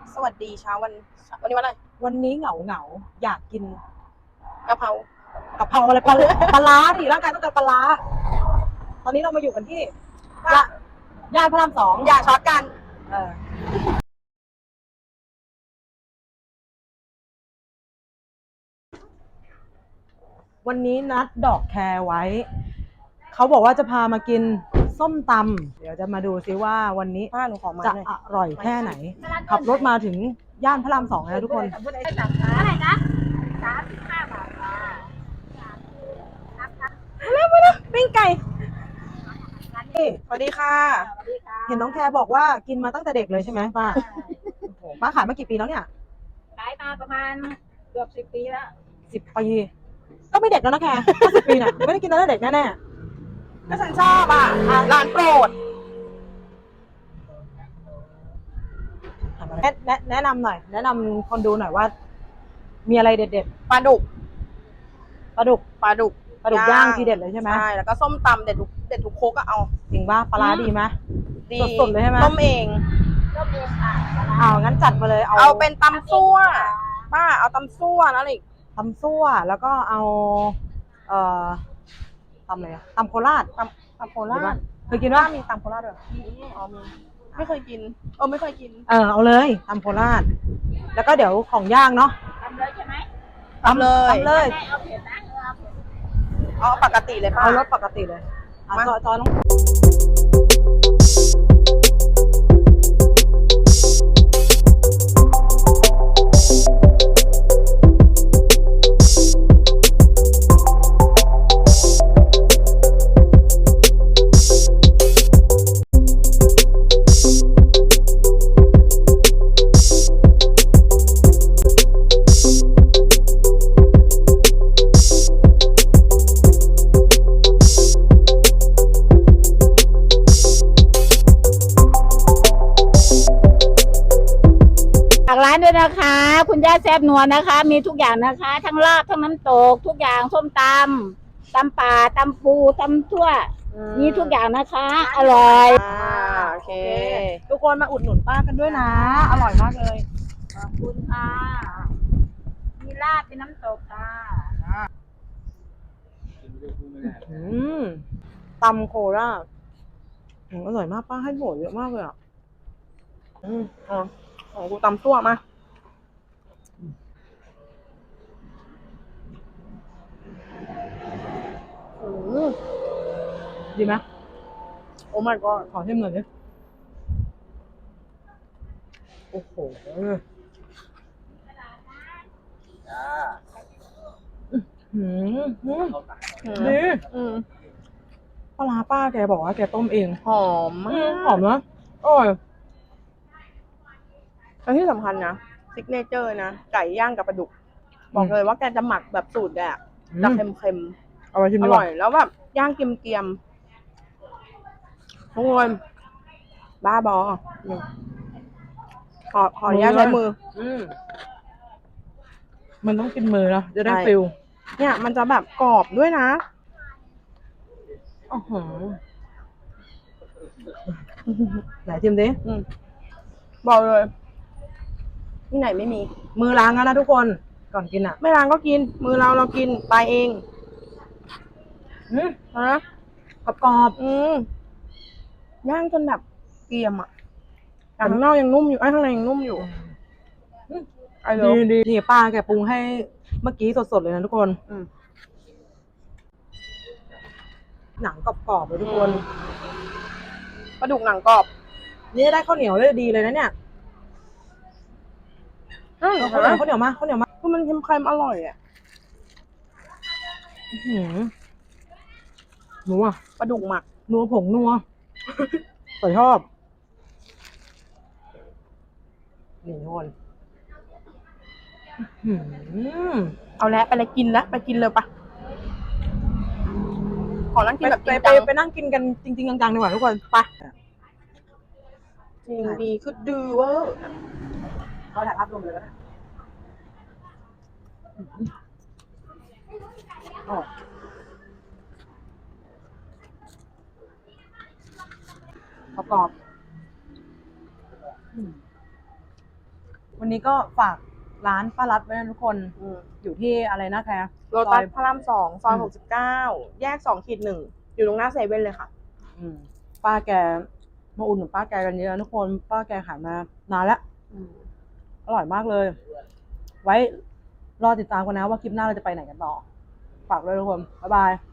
สวัสดีเช้าวันนี้วันอะไรวันนี้เหงาอยากกินกะเพรากะเพราอะไรปลาร้าดิร่างกายต้องการปลาร้าตอนนี้เรามาอยู่กันที่ย่านพระราม2 อย่าช็อตกันวันนี้นัดดอกแคร์ไว้เขาบอกว่าจะพามากินส้มตำเดี๋ยวจะมาดูซิว่าวันนี้ป้าหนูขอมาจะหน่อยอร่อยแค่ไหนขับรถมาถึงย่านพระราม2แล้วทุกคนอะไรนะ35 บาทค่ะปิ้งไก่นี่สวัสดีค่ะสวัสดีค่ะเห็นน้องแคร์บอกว่ากินมาตั้งแต่เด็กเลยใช่ไหมป้าโอ้โหป้าขายมากี่ปีแล้วเนี่ยขายมาประมาณเกือบ10 ปีแล้ว 10 ปีก็ไม่เด็กแล้วนะแคร์50 ปีเนี่ยไม่ได้กินตั้งแต่เด็กแน่ก็ฉันชอบอ่ะร้านโปรดๆแนะนำหน่อยแนะนำคนดูหน่อยว่า มีอะไรเด็ดปลาดุกๆปลาดุกปลาดุกย่างทีเด็ดเลยใช่ไหมใช่แล้วก็ส้มตำเด็ดทุกโคกก็เอาจริงป่ะปลาร้าดีไหมดีสดๆเลยใช่ไหมต้มเองก็เองค่ะเอางั้นจัดมาเลยเอาเป็นตำซั่วป้าเอาตำซั่วนะอีกตำซั่วแล้วก็เอาตำอะไรอะตำโคราชตำโคราชเคยกินป้าป่ะมีตำโคราชด้วยอ๋อมีไม่เคยกินไม่เคยกินเอาเลยตำโคราชแล้วก็เดี๋ยวของย่างเนาะทำเลยใช่ไหมตำเลยตำเลยแม่เอาเผ็ดนะเอาเผ็ดเอาปกติเลยป้าเอารสปกติเลยอ่ะมาจอยน้องฝากร้านด้วยนะคะ คุณย่าแซ่บนัวนะคะ มีทุกอย่างนะคะ ทั้งลาบทั้งน้ำตกทุกอย่างส้มตำป่าตำปูตำทั่วมีทุกอย่างนะคะ อร่อยโอเคทุกคนมาอุดหนุนป้ากันด้วยนะ อร่อยมากเลยขอบคุณค่ะมีลาบเป็นน้ำตกค่ะตำโคราชอร่อยมากป้าให้โหเยอะมากเลยอ่ะของกูตำซั่วมาดีไหมโอ้ my god ขอชิมหน่อยดิโอ้โหดีปลาร้าป้าแกบอกว่าแกต้มเองหอมมากหอมนะอร่อยและที่สำคัญนะซิกเนเจอร์นะไก่ย่างกับปลาดุก บอกเลยว่าแกจะหมักแบบสูตรแกอะจะเค็มเอาไปชิมๆอดีกร่ว่าอยแล้วแบบย่างเกรียมๆทุกคนบ้าบอขออนุญาตใช้มือมันต้องกินมือนะจะได้ใช่ฟิลเนี่ยมันจะแบบกรอบด้วยนะอ๋อไหนชิมดิบอกเลยที่ไหนไม่มีมือล้างแล้วนะทุกคนก่อนกินอ่ะไม่ล้างก็กิน มือเรากินตายเอง นะกรอบย่างจนแบบเกรียมอ่ะแต่ข้างนอกยังนุ่มอยู่ข้างในยังนุ่มอยู่ไอ้ๆเลิฟดีนี่ป้าแกปรุงให้เมื่อกี้สดๆเลยนะทุกคน หนังกรอบๆเลยทุกคนปลาดุกหนังกรอบนี่ได้ข้าวเหนียวเลยดีเลยนะเนี่ยข้าวเหนียวมาข้าวเหนียวมาคือมันเค็มๆอร่อยอ่ะนัวปลาดุกหมักนัวผงนัวใส่ชอบนี่ทุกคนเอาแล้วไปเลยกินแล้วไปกินเลยปะขอนั่งกินแบบจริงไปจังไปนั่งกินกันจริงๆจังๆดีกว่าทุกคนไปจริงดีคือดื้อเวอร์เขาถ่ายภาพรวมเลยก็ได้กรอบวันนี้ก็ฝากร้านป้ารัดไว้นะทุกคนอยู่ที่อะไรนะแคร์โลตัสซอยพระราม2 ซอย 69 แยก 2/1 อยู่ตรงหน้าเซเว่นเลยค่ะป้าแกมาอุ่นป้าแกกันเยอะทุกคนป้าแกขายมานานแล้วอร่อยมากเลย ไว้รอติดตามกันนะว่าคลิปหน้าเราจะไปไหนกันต่อฝากด้วยทุกคนบ๊ายบาย